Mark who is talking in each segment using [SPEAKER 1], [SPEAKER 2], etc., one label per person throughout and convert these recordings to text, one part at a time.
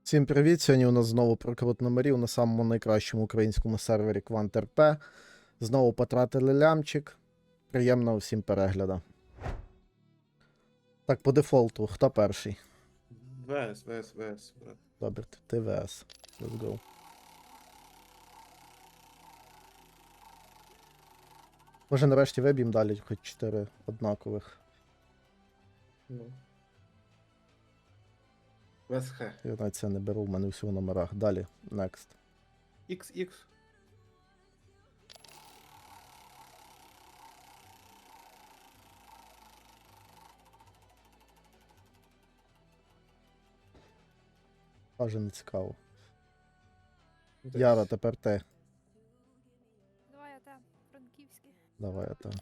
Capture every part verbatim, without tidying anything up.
[SPEAKER 1] Всім привіт! Сьогодні у нас знову прокрут номерів на самому найкращому українському сервері QuantRP. Знову потратили лямчик. Приємного всім перегляду. Так, по дефолту, хто перший?
[SPEAKER 2] ВС, ВС, ВС, брат.
[SPEAKER 1] Добре, ти ВС. Let's go. Може нарешті виб'ємо далі хоч чотири однакових.
[SPEAKER 2] Ну. ВСХ.
[SPEAKER 1] Я навіть це не беру, в мене всі в номерах. Далі, next.
[SPEAKER 2] Ікс ікс.
[SPEAKER 1] Аже не цікаво.
[SPEAKER 2] Десь.
[SPEAKER 1] Яра, тепер ти.
[SPEAKER 3] Давай я там, франківський.
[SPEAKER 1] Давай я там.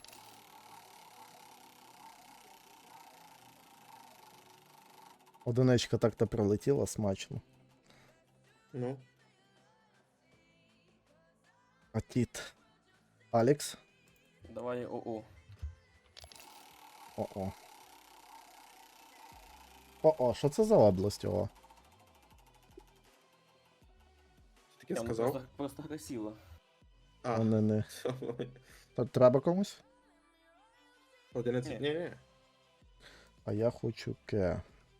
[SPEAKER 1] Одиничка так-то прилетіла смачно.
[SPEAKER 2] Ну.
[SPEAKER 1] А тіт. Алекс.
[SPEAKER 4] Давай ОО.
[SPEAKER 1] О-о. О-о, що це за область, о?
[SPEAKER 2] Таке
[SPEAKER 4] Я ну,
[SPEAKER 2] сказав?
[SPEAKER 4] просто, просто красиво.
[SPEAKER 2] А,
[SPEAKER 1] Не, не. Та треба комусь?
[SPEAKER 2] одинадцять.
[SPEAKER 4] Ні.
[SPEAKER 2] Ні, ні.
[SPEAKER 1] А я хочу ке.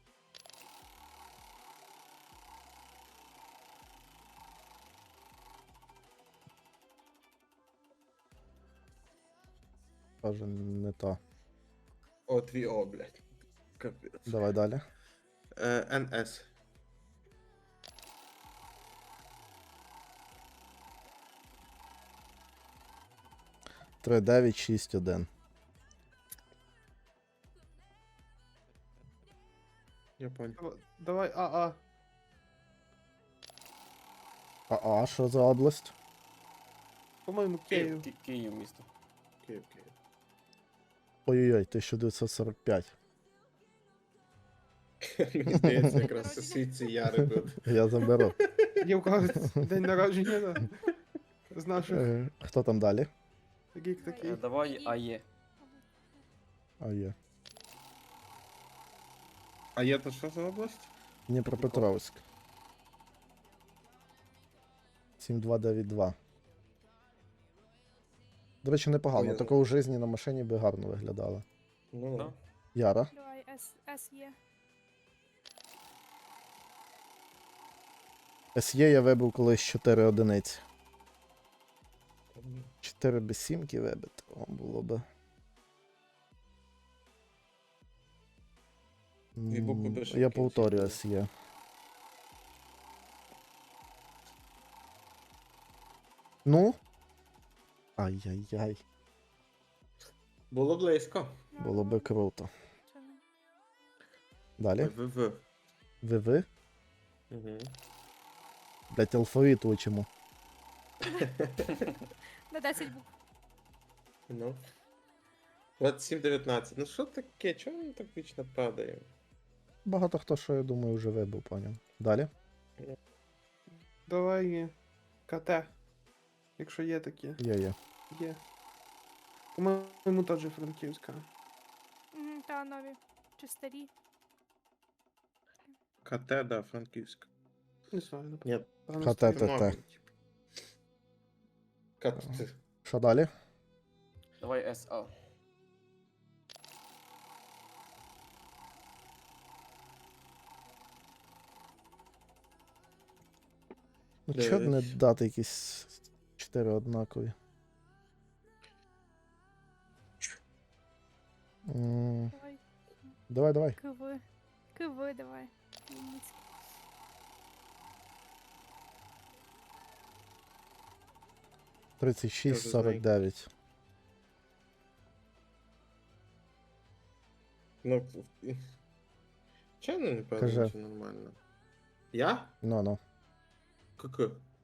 [SPEAKER 1] Каже, не то.
[SPEAKER 2] О, твій О, блядь. Капець.
[SPEAKER 1] Давай далі.
[SPEAKER 2] Е, НС.
[SPEAKER 1] три дев'ять шість один.
[SPEAKER 2] Я понял.
[SPEAKER 5] Давай АА.
[SPEAKER 1] А, а що за область?
[SPEAKER 5] По-моєму, Київ.
[SPEAKER 4] Ки- Київ місто.
[SPEAKER 2] Київ, Київ.
[SPEAKER 1] Ой-ой-ой, тисяча дев'ятсот сорок п'ять.
[SPEAKER 2] Мені здається, якраз сусідці Яри був.
[SPEAKER 1] Я заберу.
[SPEAKER 5] Є у когось день народження, да? З наших
[SPEAKER 1] Е, Хто там далі?
[SPEAKER 5] таких такий.
[SPEAKER 4] Е, Давай АЕ.
[SPEAKER 1] А є.
[SPEAKER 2] А є то що за область?
[SPEAKER 1] Дніпропетровськ. сім два дев'ять два. До речі, непогано.
[SPEAKER 2] Ой,
[SPEAKER 1] Такого в житті на машині би гарно виглядало.
[SPEAKER 2] Ну,
[SPEAKER 4] Да?
[SPEAKER 1] Яра.
[SPEAKER 3] Давай С, С є.
[SPEAKER 1] ес є я вибив колись чотири одиниці. чотири без сімки вибити. О, було би.
[SPEAKER 2] Дві букви
[SPEAKER 1] М,
[SPEAKER 2] без
[SPEAKER 1] Я
[SPEAKER 2] шибки,
[SPEAKER 1] повторюю
[SPEAKER 2] ці
[SPEAKER 1] ес є. Ну? Ай-яй-яй.
[SPEAKER 2] Було близько.
[SPEAKER 1] Було би круто.
[SPEAKER 3] Це не-
[SPEAKER 1] Далі.
[SPEAKER 2] ВВ.
[SPEAKER 1] Ви-ви?
[SPEAKER 2] Угу.
[SPEAKER 1] Блять, алфавіт учимо.
[SPEAKER 3] На десять букв.
[SPEAKER 2] Ну. двадцять сім дев'ятнадцять. Ну що таке? Чого він так вічно падає?
[SPEAKER 1] Багато хто, що я думаю, вже вибив, поняв. Далі.
[SPEAKER 5] Давай КТ. Якщо є такі.
[SPEAKER 1] Є, є.
[SPEAKER 5] Є. По-моєму, теж франківська.
[SPEAKER 3] Мгм, Та нові. Чи старі.
[SPEAKER 2] КТ, да, Франківськ.
[SPEAKER 5] Не знаю,
[SPEAKER 2] Ні.
[SPEAKER 5] напевно.
[SPEAKER 1] КТ.
[SPEAKER 5] стоїть.
[SPEAKER 1] Та-та.
[SPEAKER 2] Мабуть. КТ.
[SPEAKER 1] Що далі?
[SPEAKER 4] Давай СА.
[SPEAKER 1] Ну чого б не
[SPEAKER 2] Дев'ять.
[SPEAKER 1] дати якісь чотири однакові? М,
[SPEAKER 3] Давай.
[SPEAKER 1] Давай, давай.
[SPEAKER 3] КВ. КВ давай. Вінницький.
[SPEAKER 1] тридцять шість
[SPEAKER 2] Тоже
[SPEAKER 1] сорок дев'ять.
[SPEAKER 2] Ну, чого не
[SPEAKER 1] Кажи.
[SPEAKER 2] певно, що нормально? Я?
[SPEAKER 1] Ну, ну.
[SPEAKER 2] КК.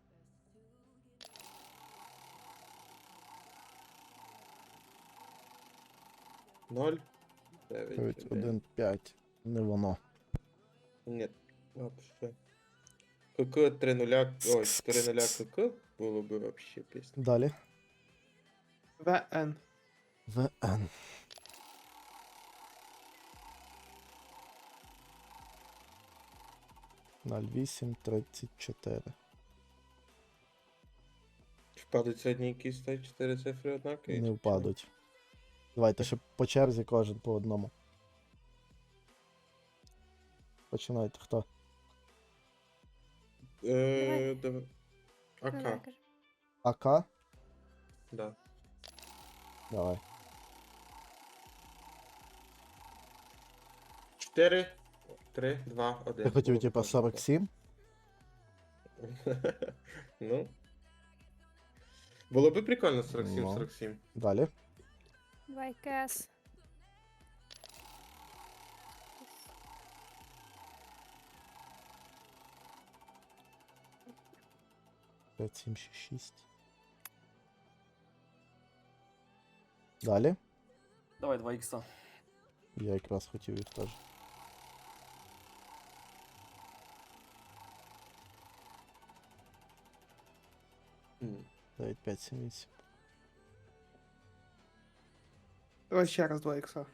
[SPEAKER 2] Ноль. Дев'ять.
[SPEAKER 1] дев'ять,
[SPEAKER 2] один.
[SPEAKER 1] один, п'ять. Не воно.
[SPEAKER 2] Ні, вообще. КК три нуля. Ой, чотири нуля КК було би вообще пісня.
[SPEAKER 1] Далі.
[SPEAKER 5] ВН.
[SPEAKER 1] ВН. ноль вісім тридцять чотири.
[SPEAKER 2] Впадуть сьогодні якісь та чотири цифри однакові?
[SPEAKER 1] Не
[SPEAKER 2] чи
[SPEAKER 1] впадуть. Давайте ще по черзі кожен по одному. Починайте хто?
[SPEAKER 2] ні? Е, давай.
[SPEAKER 3] Ну, давай,
[SPEAKER 2] АК,
[SPEAKER 3] кажи.
[SPEAKER 1] АК?
[SPEAKER 2] да.
[SPEAKER 1] Давай.
[SPEAKER 2] чотири, три, два, один.
[SPEAKER 1] Ти хотів,
[SPEAKER 2] Було
[SPEAKER 1] типа,
[SPEAKER 2] б
[SPEAKER 1] сорок сім?
[SPEAKER 2] Ну. Було би прикольно сорок сім
[SPEAKER 1] Ну.
[SPEAKER 2] сорок сім.
[SPEAKER 1] Далі.
[SPEAKER 3] Давай, КС.
[SPEAKER 1] п'ять, сім, шість, шість. Далі.
[SPEAKER 4] Давай два ікса.
[SPEAKER 1] Я якраз хотів їх теж.
[SPEAKER 2] М.
[SPEAKER 1] дев'ять, п'ять, сім, вісім.
[SPEAKER 5] Давай ще раз два ікса.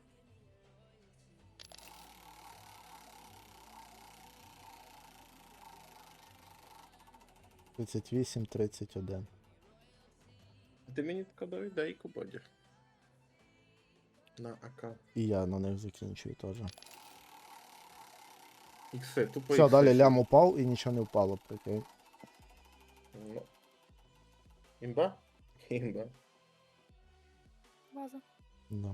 [SPEAKER 1] тридцять вісім, тридцять один.
[SPEAKER 2] Ти мені тако дай, дай кубодір. На АК.
[SPEAKER 1] І я на них закінчую теж.
[SPEAKER 2] Ікси, тупо
[SPEAKER 1] Все,
[SPEAKER 2] ікси.
[SPEAKER 1] далі лям упав і нічого не впало, прикинь.
[SPEAKER 2] Ну. Імба? Імба.
[SPEAKER 3] База.
[SPEAKER 1] Да.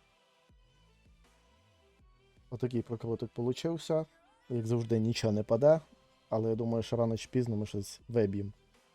[SPEAKER 1] Отакий прокрутик получився. Як завжди, нічого не паде, але я думаю, що рано чи пізно ми щось виб'ємо.